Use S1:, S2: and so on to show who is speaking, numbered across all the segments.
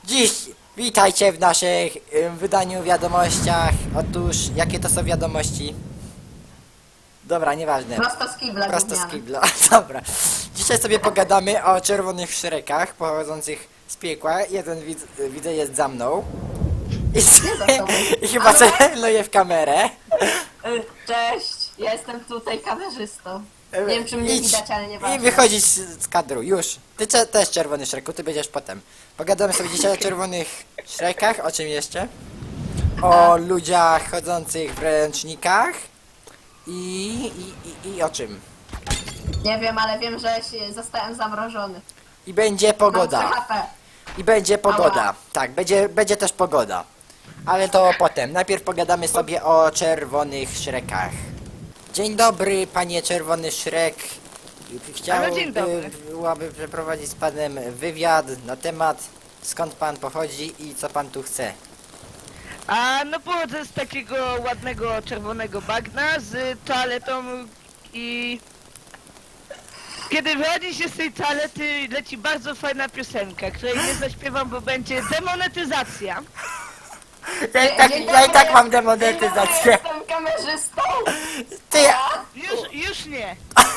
S1: Dziś witajcie w naszych wydaniu wiadomościach. Otóż, jakie to są wiadomości? Dobra, nieważne.
S2: Prosto z kibla
S1: Prosto z
S2: gówniane.
S1: kibla. Dobra. Dzisiaj sobie pogadamy o czerwonych szrekach pochodzących z piekła. Jeden widzę jest za mną.
S2: za tobą.
S1: I chyba celuje w kamerę.
S2: Cześć, ja jestem tutaj kamerzystą. Nie wiem, czy mnie
S1: Idź
S2: widać, ale nie
S1: i
S2: ważne.
S1: wychodzić z kadru, już. Ty też czerwony szreku, ty będziesz potem. Pogadamy sobie dzisiaj o czerwonych szrekach, o czym jeszcze? O ludziach chodzących w ręcznikach i o czym?
S2: Nie wiem, ale wiem, że zostałem zamrożony.
S1: I będzie
S2: Mam 3
S1: pogoda.
S2: HP.
S1: I będzie pogoda.
S2: Ała.
S1: Tak, będzie też pogoda. Ale to potem. Najpierw pogadamy sobie o czerwonych szrekach. Dzień dobry, panie czerwony szrek.
S3: dzień dobry.
S1: Byłaby przeprowadzić z panem wywiad na temat skąd pan pochodzi i co pan tu chce.
S3: No pochodzę z takiego ładnego czerwonego bagna z toaletą i... Kiedy wychodzi się z tej toalety, leci bardzo fajna piosenka, której nie zaśpiewam, bo będzie demonetyzacja.
S1: Ja i tak mam demonetyzację.
S2: Jestem kamerzystą.
S1: Ty,
S3: Już nie.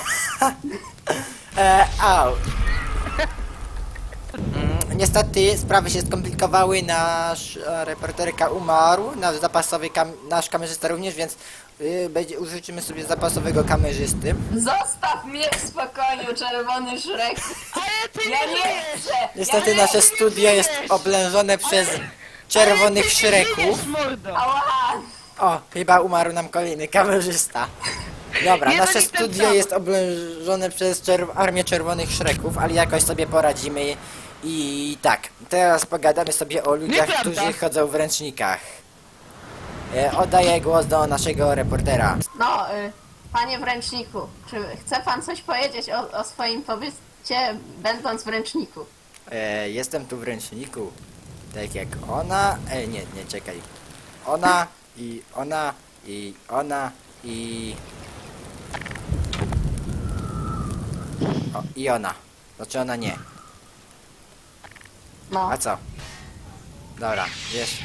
S1: au. Niestety sprawy się skomplikowały, nasz reporterka umarł, nasz kamerzysta również, więc użyczymy sobie zapasowego kamerzysty.
S2: Zostaw mnie w spokoju, czerwony szrek.
S3: Ale ty
S2: Ja
S3: nie
S2: nie
S3: żyjesz!
S2: chcę.
S1: Niestety
S2: ja nie
S1: nasze studio jest oblężone przez czerwonych
S3: Ale ty nie
S1: szreków.
S3: żyjesz, mordo!
S2: Ała.
S1: O, chyba umarł nam kolejny kamerzysta. Dobra,
S3: Nie,
S1: nasze
S3: no nie ten
S1: studio
S3: sam.
S1: jest oblężone przez armię czerwonych szreków, ale jakoś sobie poradzimy. I tak, teraz pogadamy sobie o ludziach,
S3: Nieprawda.
S1: którzy chodzą w ręcznikach. Oddaję głos do naszego reportera.
S2: No, panie w ręczniku, czy chce pan coś powiedzieć o swoim pobycie, będąc w ręczniku?
S1: Jestem tu w ręczniku. Tak jak ona. Nie, czekaj. Ona i ona i ona i. O, i ona. Znaczy ona nie.
S2: No.
S1: A co? Dobra, wiesz.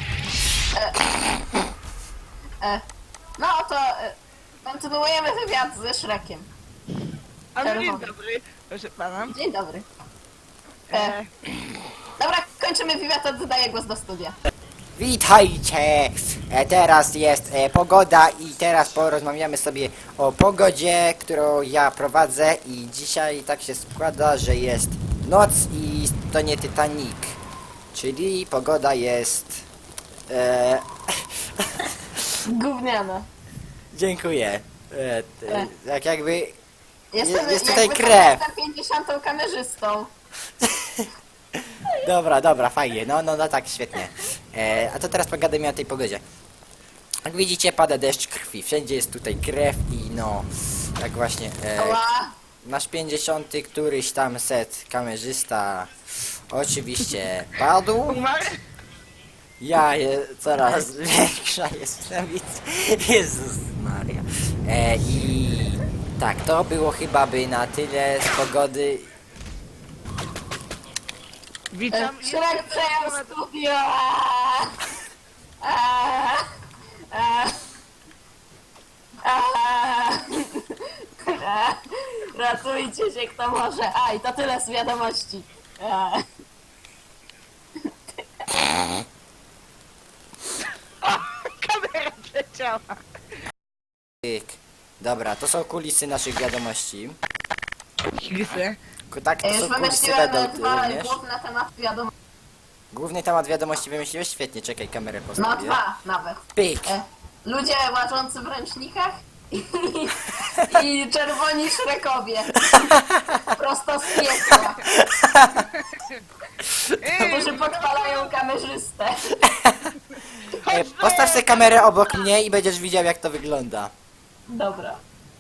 S2: No to kontynuujemy wywiad ze Szrekiem.
S3: A no dzień
S2: Czerwony.
S3: dobry, proszę pana.
S2: Dzień dobry.
S3: E,
S2: Dobra, kończymy wywiad, oddaję głos do studia.
S1: Witajcie! Teraz jest pogoda i teraz porozmawiamy sobie o pogodzie, którą ja prowadzę i dzisiaj tak się składa, że jest noc i to nie Titanic. Czyli pogoda jest...
S2: Gówniana.
S1: Dziękuję. Jak jakby... jest tutaj
S2: jakby
S1: krew.
S2: Jestem 50 kamerzystą.
S1: Dobra, fajnie. No tak, świetnie. A to teraz pogadajmy o tej pogodzie. Jak widzicie, pada deszcz krwi. Wszędzie jest tutaj krew i no... Tak właśnie...
S2: Ała.
S1: Nasz 50 któryś tam set kamerzysta oczywiście padł.
S3: umarł?
S1: Coraz większa jestem. Jezus Maria. I tak, to było chyba by na tyle z pogody.
S3: Witam.
S2: Szrek przejął studio. Ratujcie się kto może. I to tyle z wiadomości.
S3: Kamera przeciała.
S1: Tyk. Dobra, to są kulisy naszych wiadomości.
S3: Higsy.
S1: Tak, to
S2: Już
S1: są kulisy
S2: wymyśliłem
S1: będą
S2: dwa
S1: również.
S2: główne tematy wiadomości.
S1: Główny temat wiadomości wymyśliłeś? Świetnie, czekaj, kamerę
S2: No
S1: postawię.
S2: 2 nawet.
S1: Pyk!
S2: Ludzie łażący w ręcznikach i czerwoni szrekowie. Prosto z piekła, którzy podpalają kamerzystę.
S1: Postaw sobie kamerę obok mnie i będziesz widział, jak to wygląda.
S2: Dobra.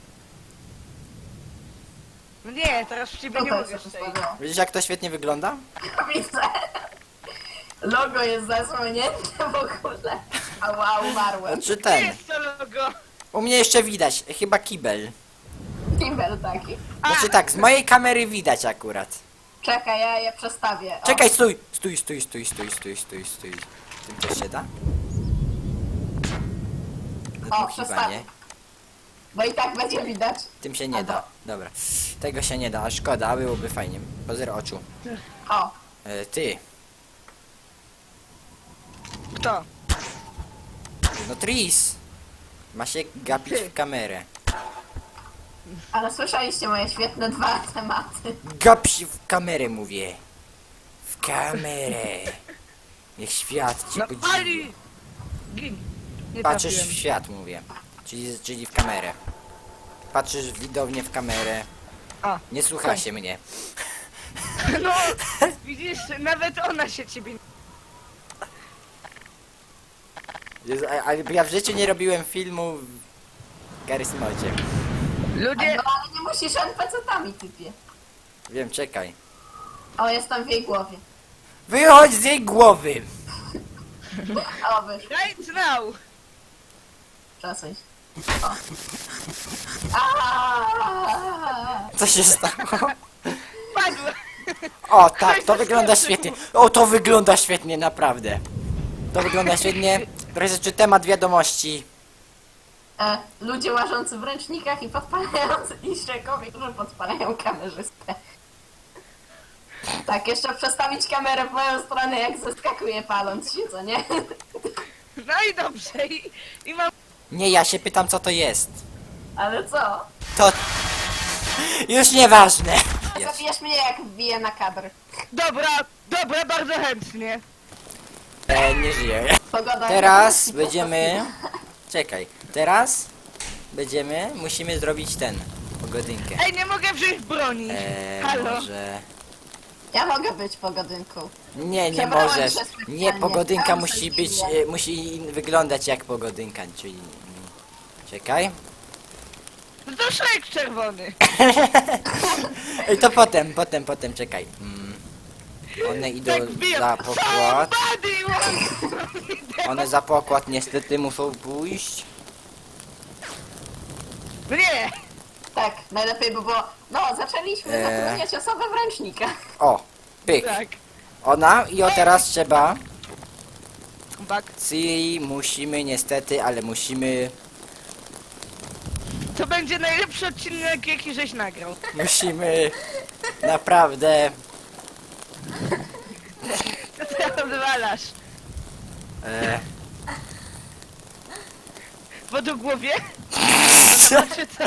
S3: No nie, teraz w ciebie nie
S2: Tutaj
S3: mogę
S2: się
S3: strzelić.
S2: postawiło.
S1: Widzisz, jak to świetnie wygląda?
S2: Widzę. Logo jest zasłonięte w ogóle. Ała, umarłem.
S1: Czy
S3: Nie
S1: ten?
S3: jest to logo.
S1: U mnie jeszcze widać, chyba kibel.
S2: Kibel taki.
S1: Znaczy tak, z mojej kamery widać akurat.
S2: Czekaj, ja je przestawię. O.
S1: Czekaj, stój! Stój. Tym też się da? Chyba nie.
S2: Bo i tak będzie widać.
S1: Tym się nie da. Dobra. Tego się nie da, a szkoda, byłoby fajnie. Pozor oczu.
S2: O,
S1: Ty.
S3: Kto?
S1: No Tris. Ma się gapić w kamerę.
S2: ale słyszeliście moje świetne dwa tematy.
S1: Gap się w kamerę, mówię. W kamerę. Niech świat cię
S3: No
S1: podziwi.
S3: Ali! Gin. Nie
S1: Patrzysz w
S3: trafiłem.
S1: świat, mówię. Czyli w kamerę. Patrzysz widownie w kamerę.
S3: A,
S1: Nie słucha się mnie.
S3: no, widzisz, nawet ona się ciebie...
S1: Jezu, a ja w życiu nie robiłem filmu w Garysmodzie.
S3: Ludzie...
S2: No ale nie musisz NPC-tami, typie.
S1: Wiem, czekaj.
S2: O, jestem w jej głowie.
S1: Wychodź z jej głowy!
S2: O, wyszło.
S3: Right now!
S2: Przesuń się. O. Aaaa!
S1: Co się stało?
S3: Padła!
S1: O, tak,
S3: Ktoś
S1: to wygląda
S3: zaskoczył.
S1: świetnie. O, to wygląda świetnie, naprawdę. To wygląda świetnie. Proszę, temat wiadomości.
S2: Ludzie łażący w ręcznikach i podpalający i szczekowie, którzy podpalają kamerzystę. Tak, jeszcze przestawić kamerę w moją stronę, jak zeskakuje paląc się, co nie?
S3: No i dobrze, i mam...
S1: Nie, ja się pytam, co to jest.
S2: Ale co?
S1: To... Już nieważne. Jest.
S2: Zabijesz mnie, jak wbiję na kadr.
S3: Dobra, bardzo chętnie.
S1: Nie żyję.
S2: Pogoda...
S1: Teraz będziemy... Czekaj. Teraz musimy zrobić pogodynkę.
S3: Ej, nie mogę wziąć broni. Halo?
S1: Może...
S2: Ja mogę być pogodynką.
S1: Nie
S2: Przebrałem
S1: możesz.
S2: się specjalnie.
S1: Nie, pogodynka
S2: Tam
S1: musi
S2: sobie
S1: być,
S2: idę.
S1: musi wyglądać jak pogodynka, czyli... Czekaj.
S3: No to szlek czerwony.
S1: Ej, to potem, czekaj. One idą
S3: Tak wbijam.
S1: za pokład.
S3: Somebody wants-
S1: One za pokład niestety muszą pójść.
S3: No nie!
S2: Tak, najlepiej by było... No, zaczęliśmy zatrudniać osobę w ręcznikach.
S1: O, pyk.
S3: Tak.
S1: Ona i teraz trzeba...
S3: Bak.
S1: Czyli musimy niestety, ale musimy...
S3: To będzie najlepszy odcinek, jaki żeś nagrał.
S1: Musimy... Naprawdę...
S3: To ty odwalasz.
S1: E,
S3: Wodogłowie? Czy co?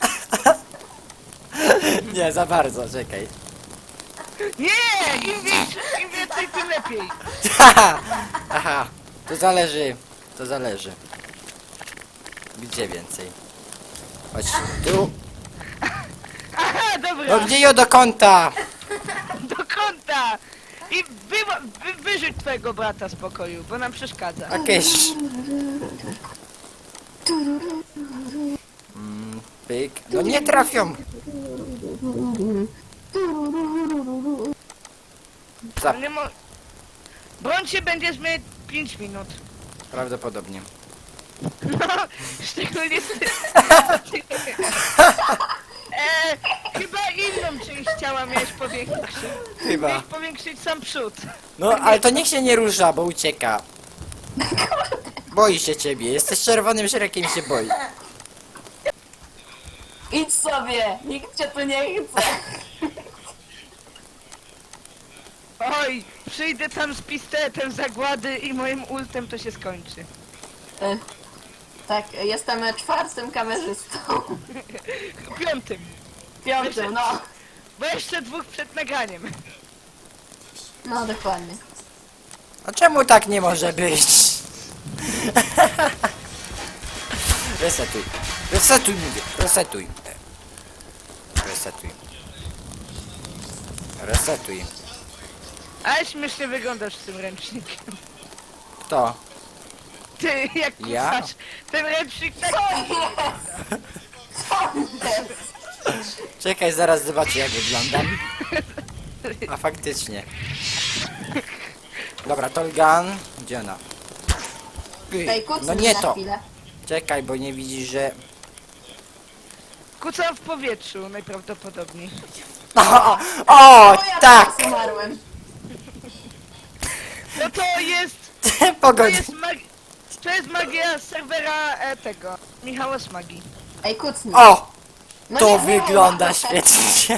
S1: nie, za bardzo, czekaj.
S3: Nie! Im więcej, tym lepiej.
S1: Aha, to zależy. Gdzie więcej? Chodź tu.
S3: Aha, dobra.
S1: No gdzie ją do kąta?
S3: Do kąta! I wyrzuć twojego brata z pokoju, bo nam przeszkadza.
S1: Jakieś... Pyk. No nie trafią. Za...
S3: Nie mo... Broń się będziesz mieć 5 minut.
S1: Prawdopodobnie.
S3: No, szczególnie ty. Chyba inną część ciała miałeś powiększyć.
S1: Chyba.
S3: Miałeś powiększyć sam przód.
S1: No, ale to niech się nie rusza, bo ucieka. Boi się ciebie. Jesteś czerwonym szerekiem i się boi.
S2: Idź sobie, nikt cię tu nie chce.
S3: Oj, przyjdę tam z pistoletem zagłady i moim ultem to się skończy.
S2: Tak, jestem czwartym kamerzystą.
S3: 5.
S2: Piątym, no.
S3: Bo jeszcze 2 przed nagraniem.
S2: No, dokładnie.
S1: A czemu tak nie może być? Resetuj. Resetuj, mówię. Resetuj. Resetuj. Resetuj.
S3: Ale śmiesznie wyglądasz z tym ręcznikiem.
S1: Kto?
S3: Ty, jak
S1: Ja?
S3: kusasz, ten ręcznik tak...
S1: Czekaj, zaraz zobaczę jak wyglądam. A faktycznie. Dobra, Tolgan. Gdzie ona? Pyk.
S2: Ej, kucnij
S1: No nie
S2: na
S1: to.
S2: chwilę.
S1: Czekaj, bo nie widzisz, że...
S3: Kucam w powietrzu najprawdopodobniej.
S1: O,
S2: Bo ja
S1: tak!
S2: teraz umarłem.
S3: No to jest... To
S1: Pogodź.
S3: jest to jest magia serwera tego. Michała Smagi.
S2: Ej, kucnij.
S1: O!
S2: No
S1: To
S2: nie,
S1: wygląda
S2: nie,
S1: świetnie.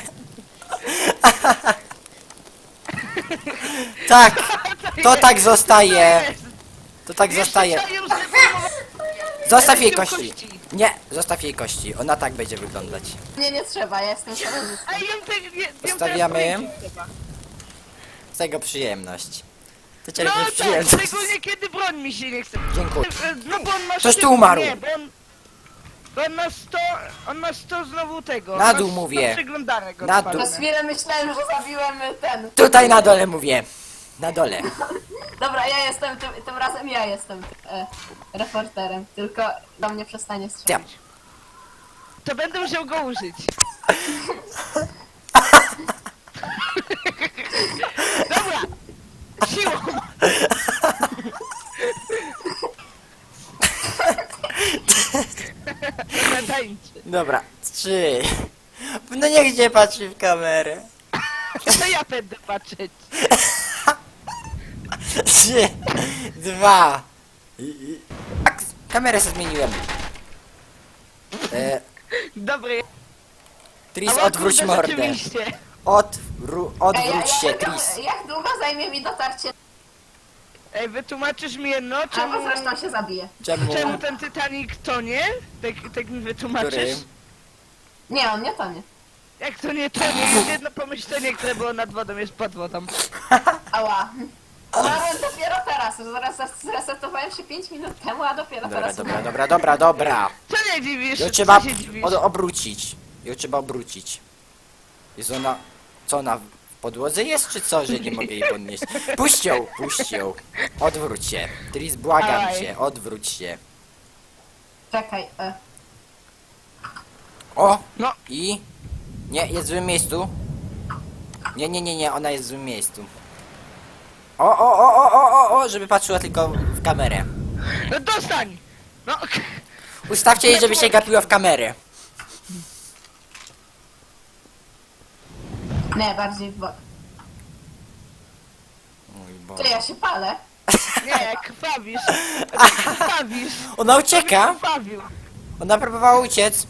S1: Tak, to tak zostaje. To tak zostaje. Zostaw jej kości. Nie, zostaw jej kości. Ona tak będzie wyglądać.
S2: Nie, nie trzeba, ja jestem szaleńcem.
S3: A ją te,
S1: Ustawiamy. Z tego przyjemność. To
S3: No
S1: czerpiesz
S3: tak,
S1: przyjemność.
S3: szczególnie kiedy broń mi się nie chce.
S1: Dziękuję.
S3: No bo on ma
S1: Ktoś tu
S3: szybko-
S1: umarł.
S3: Nie, bo on ma 100, on ma 100 znowu tego.
S1: Na
S3: ma
S1: dół
S3: 100
S1: mówię.
S3: przeglądarek
S1: Na dół.
S3: odpalone.
S2: Przez chwilę myślałem, że zabiłem ten.
S1: Tutaj na dole mówię. Na dole.
S2: Dobra, ja jestem, tym razem ja jestem reporterem, tylko do mnie przestanie
S1: Ja.
S2: strzelać.
S3: To będę musiał go użyć. Dobra! Siłą! Tańczy.
S1: Dobra, 3. No niech nie patrzy w kamerę.
S3: To ja będę patrzeć.
S1: 3, 2. Kamerę sobie zmieniłem.
S3: Dobry.
S1: Tris,
S3: Ała,
S1: odwróć
S3: kurde,
S1: mordę.
S3: rzeczywiście.
S1: Odwróć się, Tris.
S2: Jak długo zajmie mi dotarcie?
S3: Ej, wytłumaczysz mi jedno, czemu...
S2: Albo zresztą się zabije.
S1: Czemu?
S3: Czemu ten Titanic tonie? Tak mi wytłumaczysz?
S1: Który?
S2: Nie, on nie tonie.
S3: Jak to nie tonie? Jest jedno pomyślenie, które było nad wodą, jest pod wodą.
S2: Ała. Umarłem dopiero teraz. Zresetowałem się 5 minut temu, a dopiero
S1: Dobra,
S2: teraz
S1: dobra,
S2: umarłem.
S1: dobra, dobra, dobra.
S3: Co nie dziwisz?
S1: Ją trzeba
S3: Co się dziwisz?
S1: obrócić. Ją trzeba obrócić. Jest ona... Co ona... W podłodze jest, czy co, że nie mogę jej podnieść? Puść ją, puść ją. Odwróć się. Tris, błagam
S3: Dawaj.
S1: cię, odwróć się.
S2: Czekaj,
S1: O!
S3: No.
S1: I... Nie, jest w złym miejscu. Nie, ona jest w złym miejscu. O, żeby patrzyła tylko w kamerę.
S3: No dostań! No,
S1: Ustawcie jej, żeby się gapiła w kamerę.
S2: nie, bardziej w bok.
S1: Mój
S2: Czy
S1: Boże.
S2: ja się palę?
S3: nie, krwawisz. Krwawisz.
S1: Ona ucieka.
S3: Krwawił.
S1: Ona próbowała uciec.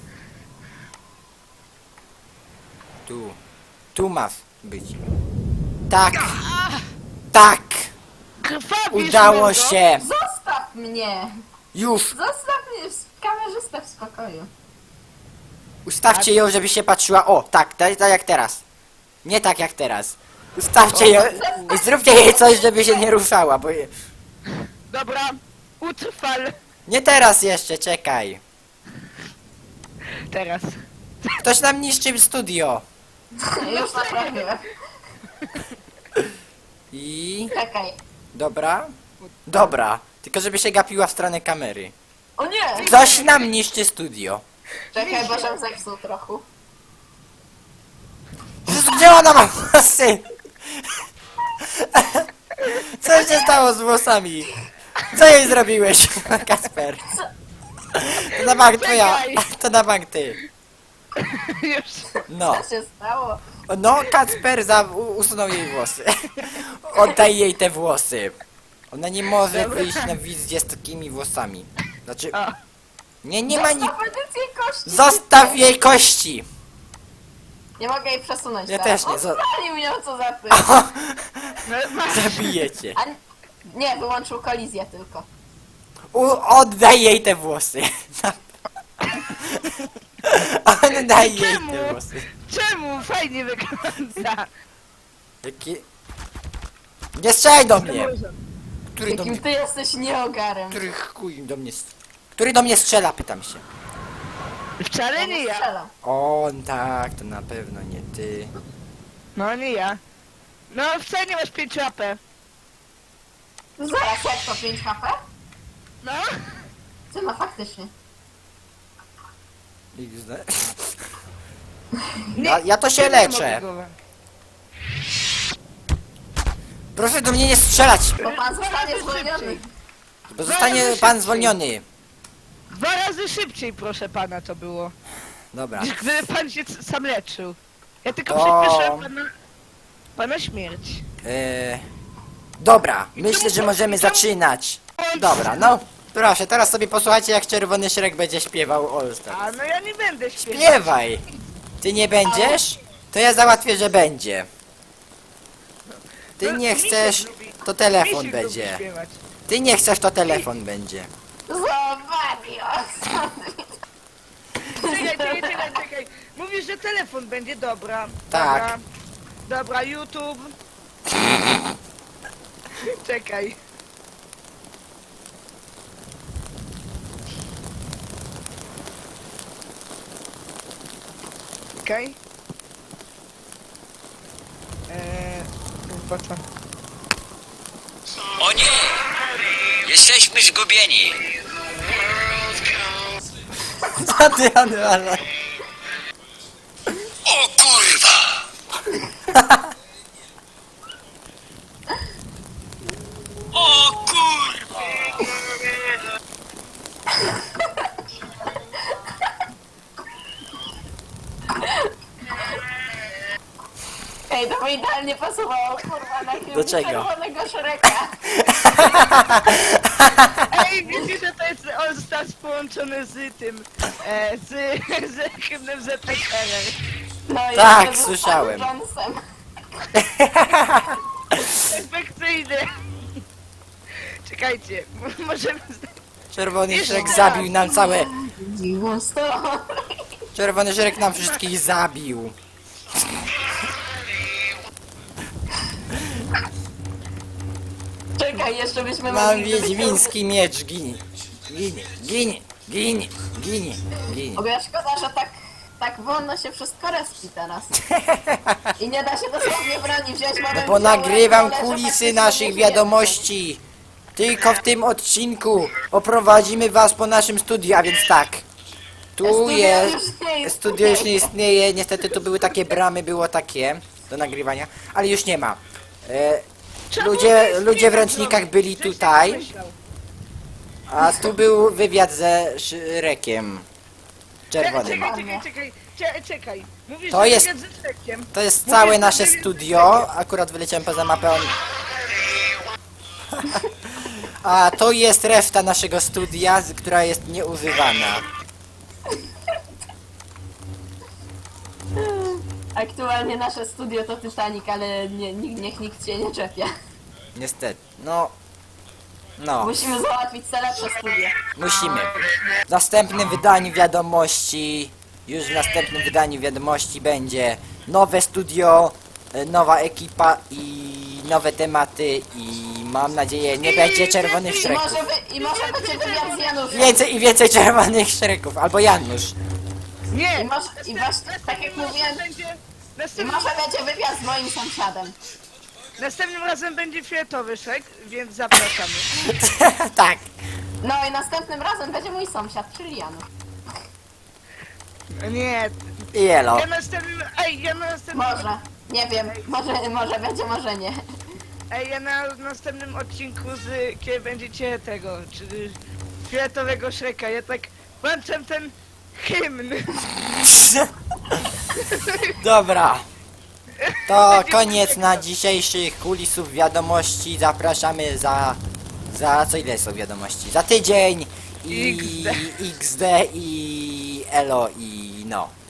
S1: Tu ma być. Tak. Tak.
S3: Krwawisz,
S1: Udało
S3: mordo.
S1: się.
S2: Zostaw mnie!
S1: Już.
S2: Zostaw mnie, kamerzystę w spokoju.
S1: Ustawcie ją, żeby się patrzyła. O, tak, tak jak teraz. Nie tak jak teraz. Ustawcie ją i zróbcie jej coś, żeby się nie ruszała, bo...
S3: Dobra, utrwal.
S1: Nie teraz jeszcze, czekaj.
S3: Teraz.
S1: Ktoś nam niszczy studio.
S2: Już naprawiłem.
S1: I...
S2: Czekaj.
S1: Dobra. Dobra. Tylko żeby się gapiła w stronę kamery.
S2: O nie!
S1: Ktoś nam niszczy studio.
S2: Czekaj, bo się zepsuł trochę.
S1: Jezus, gdzie ona ma włosy? Co się stało z włosami? Co jej zrobiłeś, Kasper? To na bank twoja. To na bank ty.
S3: Już.
S1: No.
S2: Co się stało?
S1: No, Kacper usunął jej włosy. Oddaj jej te włosy. Ona nie może wyjść na wizję z takimi włosami. Znaczy...
S3: A.
S1: Nie ma ni...
S2: Zostaw edycję kości!
S1: Zostaw jej kości!
S2: Nie mogę jej przesunąć
S1: Ja
S2: teraz.
S1: też nie,
S2: On
S1: zo-
S2: spalił ją, co za ty.
S3: No, masz.
S1: Zabijecie.
S2: A nie, wyłączył kolizję tylko.
S1: Oddaj jej te włosy. Oddaj jej
S3: Czemu?
S1: te włosy.
S3: Czemu? Fajnie wygląda.
S1: Jaki... Nie strzelaj do mnie! Który do mnie...
S2: Jakim ty jesteś nieogarem.
S1: Który chuj do mnie... Który do mnie strzela, pytam się.
S3: Wcale nie ja.
S2: Strzelam.
S1: On tak, to na pewno nie ty.
S3: No nie ja. No wcale nie masz 5 AP.
S2: Zaraz, jak to 5 HP?
S3: No.
S2: Ty no faktycznie.
S1: XD.
S3: Nie,
S1: Ja to się
S3: nie
S1: leczę.
S3: mogę go.
S1: Proszę do mnie nie strzelać,
S2: Bo pan zostanie zwolniony.
S1: bo zostanie pan zwolniony.
S3: 2 razy szybciej, proszę pana, to było.
S1: Dobra.
S3: Niż gdyby pan się sam leczył. Ja tylko
S1: To-
S3: przyspieszyłem pana śmierć.
S1: Dobra, myślę, że możemy zaczynać. Dobra, no. Proszę, teraz sobie posłuchajcie, jak Czerwony Szrek będzie śpiewał All Stars.
S3: A no ja nie będę śpiewał.
S1: Śpiewaj! Ty nie będziesz? To ja załatwię, że będzie. Ty
S3: No,
S1: nie
S3: Misiek
S1: chcesz,
S3: lubi-
S1: to telefon
S3: Misiek lubi
S1: będzie.
S3: śpiewać.
S1: Ty nie chcesz, to telefon będzie.
S2: Zobacz,
S3: Czekaj. Mówisz, że telefon będzie, dobra.
S1: Tak.
S3: Dobra, YouTube. Czekaj. Okej. Chyba co?
S4: O nie! Jesteśmy zgubieni!
S1: Co ty, Anuala?
S4: O kurwa! O kurwa!
S2: Ej, to by idealnie pasowało, kurwa, na film
S1: Do czego?
S2: Czerwonego Szreka.
S3: Ej, wiecie, że to jest All Stars połączony z tym, z hymnem ZSRR.
S2: No i
S1: Tak,
S2: jeszcze z
S1: słyszałem.
S2: Jonesem.
S3: Perfekcyjny. Czekajcie, możemy...
S1: Czerwony Szrek zabił nam całe...
S2: Dziwo sto.
S1: Czerwony Szrek nam wszystkich zabił.
S2: Czekaj, jeszcze byśmy
S1: Mam
S2: mogli...
S1: wiedźmiński miecz, ginie. Ginie.
S2: Bo ja szkoda, że tak wolno się wszystko respi teraz. I nie da się dosłownie broni wziąć.
S1: No bo nagrywam kulisy naszych wiadomości. Tylko w tym odcinku oprowadzimy was po naszym studiu, a więc tak. Tu jest... Studio już nie istnieje, niestety tu były takie bramy, było takie do nagrywania, ale już nie ma. Ludzie w ręcznikach byli tutaj, a tu był wywiad ze Szrekiem. Czerwonym.
S3: Czekaj. Mówisz,
S1: To
S3: że
S1: jest-
S3: wywiad ze Szrekiem.
S1: To jest całe nasze studio, akurat wyleciałem poza mapę. A to jest reszta naszego studia, która jest nieużywana.
S2: Aktualnie nasze studio to Titanic, ale niech nikt się nie czepia.
S1: Niestety, no...
S2: Musimy załatwić te lepsze studio.
S1: Musimy. W następnym wydaniu wiadomości, już w następnym wydaniu wiadomości będzie nowe studio, nowa ekipa i nowe tematy i mam nadzieję nie będzie czerwonych
S2: I
S1: szreków.
S2: może będzie wywiad z Januszem.
S1: Więcej i więcej czerwonych szreków, albo Janusz.
S3: Nie!
S2: I właśnie, tak jak mówiłem, i
S3: Następnym,
S2: może będzie wywiad z moim sąsiadem.
S3: następnym razem będzie fioletowy Szrek, więc zapraszamy.
S1: Tak.
S2: No i następnym razem będzie mój sąsiad, czyli Janusz.
S3: Nie,
S1: I elo.
S3: ja na następnym...
S2: Może. Nie wiem, może będzie, może nie.
S3: Ej, ja na następnym odcinku kiedy będziecie tego, czy fioletowego Szreka, ja tak włączam ten hymn.
S1: Dobra. To koniec na dzisiejszych kulisów wiadomości. Zapraszamy za co ile są wiadomości? Za tydzień i XD i elo i no.